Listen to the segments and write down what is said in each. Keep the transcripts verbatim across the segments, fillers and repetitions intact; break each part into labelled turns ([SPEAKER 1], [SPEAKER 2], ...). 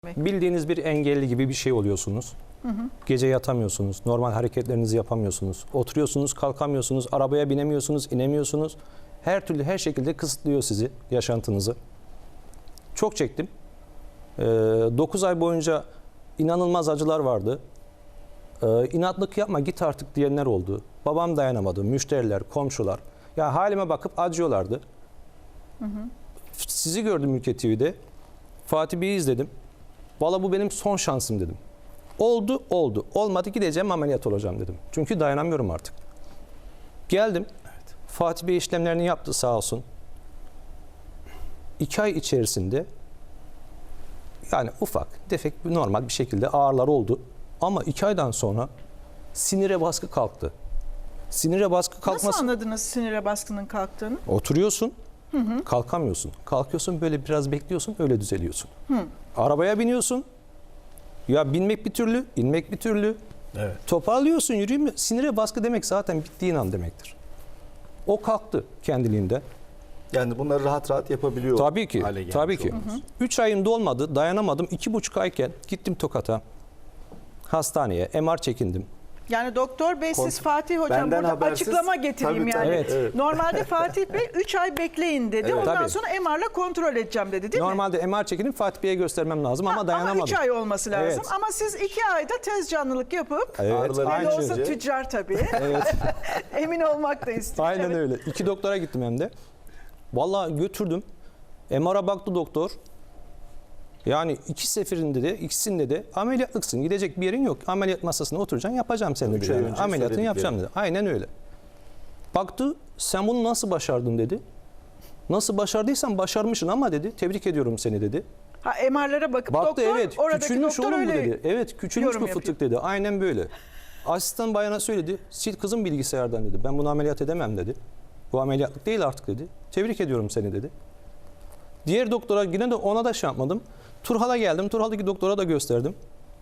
[SPEAKER 1] Bildiğiniz bir engelli gibi bir şey oluyorsunuz. Hı hı. Gece yatamıyorsunuz, normal hareketlerinizi yapamıyorsunuz. Oturuyorsunuz, kalkamıyorsunuz, arabaya binemiyorsunuz, inemiyorsunuz. Her türlü, her şekilde kısıtlıyor sizi, yaşantınızı. Çok çektim. Ee, dokuz ay boyunca inanılmaz acılar vardı. Ee, inatlık yapma, git artık diyenler oldu. Babam dayanamadı, müşteriler, komşular. Ya halime bakıp acıyorlardı. Hı hı. Sizi gördüm Ülke T V'de. Fatih Bey'i izledim. Valla bu benim son şansım dedim. Oldu, oldu. Olmadı, gideceğim, ameliyat olacağım dedim. Çünkü dayanamıyorum artık. Geldim. Evet. Fatih Bey işlemlerini yaptı sağ olsun. İki ay içerisinde yani ufak, tefek, normal bir şekilde ağrılar oldu. Ama iki aydan sonra sinire baskı kalktı. Sinire baskı kalkması...
[SPEAKER 2] Nasıl anladınız sinire baskının kalktığını?
[SPEAKER 1] Oturuyorsun, hı hı. kalkamıyorsun. Kalkıyorsun, böyle biraz bekliyorsun, öyle düzeliyorsun.
[SPEAKER 2] Hı.
[SPEAKER 1] Arabaya biniyorsun. Ya binmek bir türlü, inmek bir türlü.
[SPEAKER 3] Evet.
[SPEAKER 1] Toparlıyorsun, yürüyeyim. Sinire baskı demek zaten bittiğin an demektir. O kalktı kendiliğinde.
[SPEAKER 3] Yani bunları rahat rahat yapabiliyor.
[SPEAKER 1] Tabii ki, tabii ki.
[SPEAKER 3] Olmaz.
[SPEAKER 1] Üç ayım dolmadı, dayanamadım. İki buçuk ayken gittim Tokat'a. Hastaneye, M R çekindim.
[SPEAKER 2] Yani doktor bey siz
[SPEAKER 3] Kont-
[SPEAKER 2] Fatih hocam
[SPEAKER 3] Benden
[SPEAKER 2] burada
[SPEAKER 3] habersiz,
[SPEAKER 2] açıklama getireyim
[SPEAKER 3] tabii,
[SPEAKER 2] yani.
[SPEAKER 3] tabii,
[SPEAKER 1] Evet.
[SPEAKER 3] evet.
[SPEAKER 2] Normalde Fatih Bey üç ay bekleyin dedi.
[SPEAKER 3] Evet.
[SPEAKER 2] Ondan
[SPEAKER 1] Tabii.
[SPEAKER 2] sonra M R'la kontrol edeceğim dedi değil mi?
[SPEAKER 1] Normalde M R çekinip Fatih Bey'e göstermem lazım ama
[SPEAKER 2] Ha,
[SPEAKER 1] dayanamadım.
[SPEAKER 2] Ama üç ay olması lazım.
[SPEAKER 1] Evet.
[SPEAKER 2] Ama siz iki ayda tez canlılık yapıp
[SPEAKER 1] Evet,
[SPEAKER 3] Ağrıları
[SPEAKER 2] ne de
[SPEAKER 1] aynen,
[SPEAKER 2] olsa
[SPEAKER 3] önce-
[SPEAKER 2] tüccar tabii.
[SPEAKER 1] evet.
[SPEAKER 2] Emin olmak da istiyor.
[SPEAKER 1] Aynen
[SPEAKER 2] Evet.
[SPEAKER 1] öyle. İki doktora gittim hem de. Vallahi götürdüm. M R'a baktı doktor. Yani iki seferinde de, ikisinde de ameliyatlıksın. Gidecek bir yerin yok. Ameliyat masasına oturacaksın, yapacağım seni
[SPEAKER 3] Üç
[SPEAKER 1] dedi.
[SPEAKER 3] ay
[SPEAKER 1] Yani.
[SPEAKER 3] önce
[SPEAKER 1] Ameliyatını yapacağım dedi.
[SPEAKER 3] söyledikleri.
[SPEAKER 1] Aynen öyle. Baktı, sen bunu nasıl başardın dedi. Nasıl başardıysan başarmışsın ama dedi. Tebrik ediyorum seni dedi.
[SPEAKER 2] Ha M R'lara bakıp
[SPEAKER 1] Baktı,
[SPEAKER 2] doktor
[SPEAKER 1] evet,
[SPEAKER 2] oradaki
[SPEAKER 1] küçülmüş
[SPEAKER 2] doktor
[SPEAKER 1] oğlum bu
[SPEAKER 2] öyle
[SPEAKER 1] dedi. Evet, küçülmüş
[SPEAKER 2] yorum
[SPEAKER 1] bu
[SPEAKER 2] yapıyor.
[SPEAKER 1] fıtık dedi. Aynen böyle. Asistan bayana söyledi. Sil kızım bilgisayardan dedi. Ben bunu ameliyat edemem dedi. Bu ameliyatlık değil artık dedi. Tebrik ediyorum seni dedi. Diğer doktora yine de ona da şey yapmadım. Turhal'a geldim. Turhal'daki doktora da gösterdim.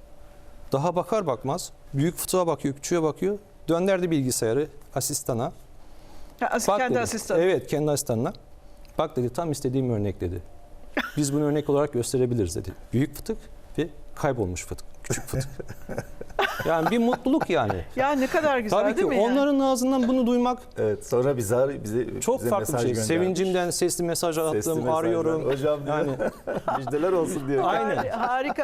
[SPEAKER 1] Daha bakar bakmaz büyük fıtığa bakıyor, küçüğe bakıyor. Dönderdi bilgisayarı asistana.
[SPEAKER 2] Ha, as-
[SPEAKER 1] Bak
[SPEAKER 2] kendi
[SPEAKER 1] dedi.
[SPEAKER 2] asistanı.
[SPEAKER 1] Evet, kendi asistanına. Bak dedi, tam istediğim örnek dedi. Biz bunu örnek olarak gösterebiliriz dedi. Büyük fıtık ve kaybolmuş fıtık. Küçük fıtık. Yani bir mutluluk yani.
[SPEAKER 2] Ya ne kadar güzel
[SPEAKER 1] Tabii ki
[SPEAKER 2] değil mi? yani?
[SPEAKER 1] onların ağzından bunu duymak
[SPEAKER 3] Evet, sonra bize bize
[SPEAKER 1] çok
[SPEAKER 3] bize
[SPEAKER 1] farklı bir
[SPEAKER 3] mesaj
[SPEAKER 1] şey.
[SPEAKER 3] göndermiş.
[SPEAKER 1] Sevincimden sesli mesaj
[SPEAKER 3] Sesli
[SPEAKER 1] attım,
[SPEAKER 3] mesajlar.
[SPEAKER 1] arıyorum.
[SPEAKER 3] Hocam diyor,
[SPEAKER 1] Yani
[SPEAKER 3] müjdeler olsun diyor.
[SPEAKER 1] aynen.
[SPEAKER 2] Harika.